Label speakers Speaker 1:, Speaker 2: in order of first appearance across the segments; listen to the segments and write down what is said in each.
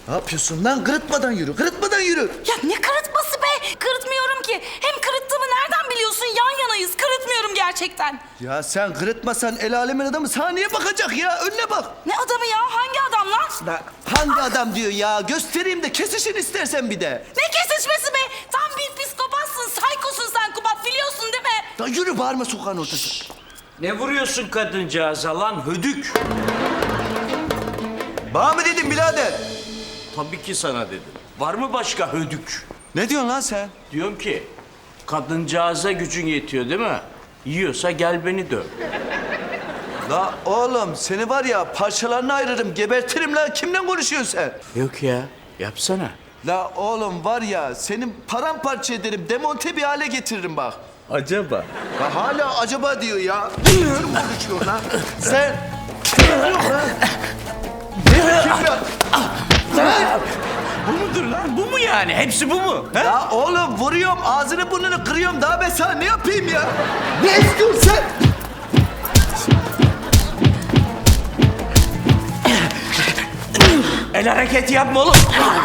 Speaker 1: Ne yapıyorsun lan? Kırıtmadan yürü, kırıtmadan yürü.
Speaker 2: Ya ne kırıtması be? Kırıtmıyorum ki. Hem kırıttığımı nereden biliyorsun? Yan yanayız. Kırıtmıyorum gerçekten.
Speaker 1: Ya sen kırıtmasan el alemin adamı sana niye bakacak ya? Önüne bak.
Speaker 2: Ne adamı ya? Hangi adam lan?
Speaker 1: Lan hangi adam diyor ya? Göstereyim de kesişin istersen bir de.
Speaker 2: Ne kesişmesi be? Tam bir psikopatsın, saykosun sen Kubat. Biliyorsun değil mi?
Speaker 1: Lan yürü bağırma sokağın ortası.
Speaker 3: Ne vuruyorsun kadıncağıza lan hödük?
Speaker 1: Bana mı dedin birader?
Speaker 3: Tabii ki sana dedim. Var mı başka hödük?
Speaker 1: Ne diyorsun lan sen?
Speaker 3: Diyorum ki kadıncağıza gücün yetiyor değil mi? Yiyorsa gel beni döv.
Speaker 1: La oğlum seni var ya parçalarına ayırırım, gebertirim lan. Kimle konuşuyorsun sen?
Speaker 3: Yok ya yapsana.
Speaker 1: La oğlum var ya senin paramparça ederim, demonte bir hale getiririm bak.
Speaker 3: Acaba?
Speaker 1: Ya hala acaba diyor ya. Bilmiyorum konuşuyor lan. Sen... Yok lan. Ne kim ya? Sen...
Speaker 3: Bu mudur lan? Bu mu yani? Hepsi bu mu? He?
Speaker 1: Ya oğlum vuruyorum, ağzını burnunu kırıyorum. Daha ben sana ne yapayım ya? Ne istiyorsun sen?
Speaker 3: El hareketi yapma oğlum.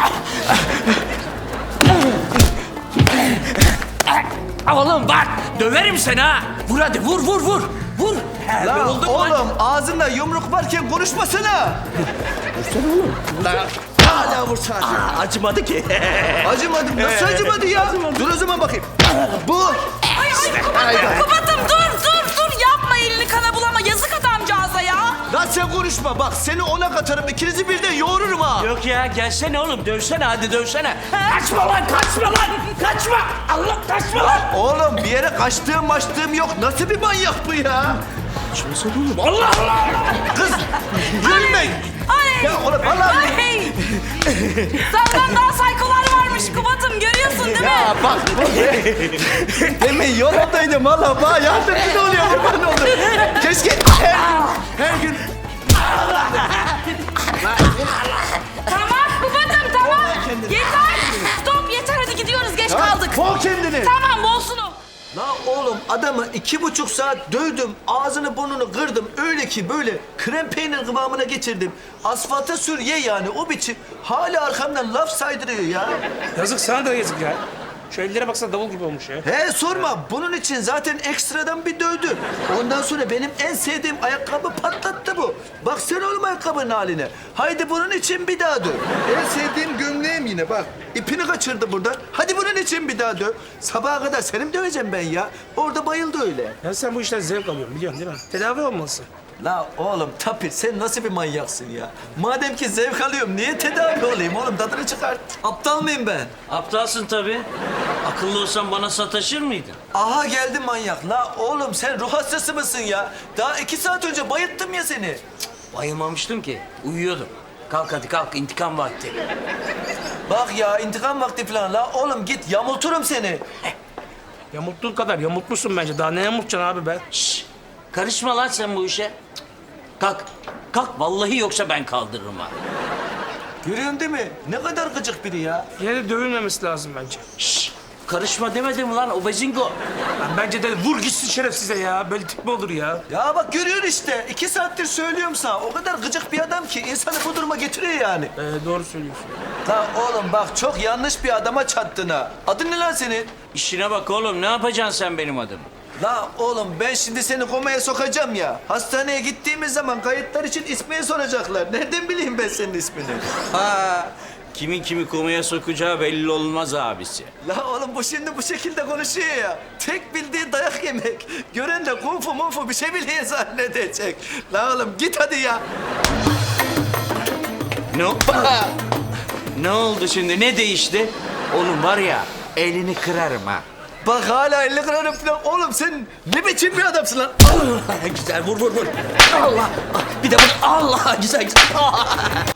Speaker 3: Oğlum bak döverim seni ha. Vur hadi vur vur vur. Vur.
Speaker 1: Lan
Speaker 3: Oldu mu?
Speaker 1: oğlum ağzında yumruk varken konuşmasana. Vursana oğlum. Lan hala vursana.
Speaker 3: Acımadı ki.
Speaker 1: Acımadım. Nasıl acımadı ya? Dur o zaman bakayım. Bu.
Speaker 2: Ay Kubat'ım dur. Yapma elini kana bulama. Yazık adamcağıza ya.
Speaker 1: Lan sen konuşma bak seni ona katarım. İkinizi birden yoğururum ha.
Speaker 3: Yok ya gelsene oğlum dövsene hadi dövsene. Kaçma lan kaçma. Allah kaçma lan.
Speaker 1: Oğlum bir yere kaçtığım yok. Nasıl bir manyak bu ya?
Speaker 3: Kaçmasana oğlum. Allah Allah.
Speaker 1: Kız gülme.
Speaker 2: Ay.
Speaker 1: Ya oğlum vallahi.
Speaker 2: Ay. Senden daha saykolar varmış Kubat'ım. Görüyorsun değil mi?
Speaker 1: Ya bak. Demin yoldaydım valla. Bana yardımcı oluyor. Kurban oldum. Keşke her gün.
Speaker 2: Tamam Kubat'ım tamam. Yeter. Stop yeter hadi gidiyoruz. Geç kaldık.
Speaker 1: Kov kendini.
Speaker 2: Tamam bolsun o.
Speaker 1: La oğlum adamı 2,5 saat dövdüm, ağzını burnunu kırdım. Öyle ki böyle krem peynir kıvamına getirdim. Asfalta sür ye yani o biçim. Hala arkamdan laf saydırıyor ya.
Speaker 4: Yazık sana da yazık ya. Şu ellere baksana davul gibi olmuş ya.
Speaker 1: He sorma bunun için zaten ekstradan bir dövdü. Ondan sonra benim en sevdiğim ayakkabı patlattı bu. Bak sen oğlum ayakkabının haline. Haydi bunun için bir daha döv. En sevdiğim gömleğim yine bak. İpini kaçırdı buradan. Hadi bunun için bir daha döv. Sabaha kadar seni mi döveceğim ben ya? Orada bayıldı öyle.
Speaker 4: Ya sen bu işten zevk alıyorsun biliyorsun değil mi? Tedavi olmalısın.
Speaker 1: La oğlum Tapir sen nasıl bir manyaksın ya? Madem ki zevk alıyorum niye tedavi olayım oğlum tadını çıkart. Aptal mıyım ben?
Speaker 3: Aptalsın tabii. Akıllı olsan bana sataşır mıydın?
Speaker 1: Aha geldi manyak. La oğlum sen ruh hastası mısın ya? Daha 2 saat önce bayılttım ya seni.
Speaker 3: Bayılmamıştım ki. Uyuyordum. Kalk hadi kalk intikam vakti.
Speaker 1: Bak ya intikam vakti falan. La oğlum git yamulturum seni.
Speaker 4: Yamulttuğun kadar yamultmuşsun bence. Daha ne yamultacaksın abi be?
Speaker 3: Şşş. Karışma lan sen bu işe. Cık. Kalk. Kalk vallahi yoksa ben kaldırırım ha.
Speaker 1: Görüyorsun değil mi? Ne kadar gıcık biri ya.
Speaker 4: Yine de dövülmemesi lazım bence.
Speaker 3: Şşş. Karışma demedim lan o bezingo.
Speaker 4: Lan bence de vur gitsin şerefsize ya. Böyle tip mi olur ya?
Speaker 1: Ya bak görüyorsun işte. 2 saattir söylüyorum sana. O kadar gıcık bir adam ki insanı bu duruma getiriyor yani.
Speaker 4: Doğru söylüyorsun.
Speaker 1: La oğlum bak çok yanlış bir adama çattın ha. Adın ne lan senin?
Speaker 3: İşine bak oğlum ne yapacaksın sen benim adımı?
Speaker 1: La oğlum ben şimdi seni komaya sokacağım ya. Hastaneye gittiğimiz zaman kayıtlar için ismini soracaklar. Nereden bileyim ben senin ismini?
Speaker 3: Ha. Kimin kimi komaya sokacağı belli olmaz abisi.
Speaker 1: La oğlum bu şimdi bu şekilde konuşuyor ya. Tek bildiği dayak yemek. Gören de kung fu munfu bir şey biliyor zannedecek. La oğlum git hadi ya.
Speaker 3: Ne, ne oldu şimdi ne değişti? Onun var ya elini kırarım ha.
Speaker 1: Bak hala 50 kırarım falan. Oğlum sen ne biçim bir adamsın lan?
Speaker 3: Güzel vur vur vur. Allah. Bir de vur. Allah güzel güzel.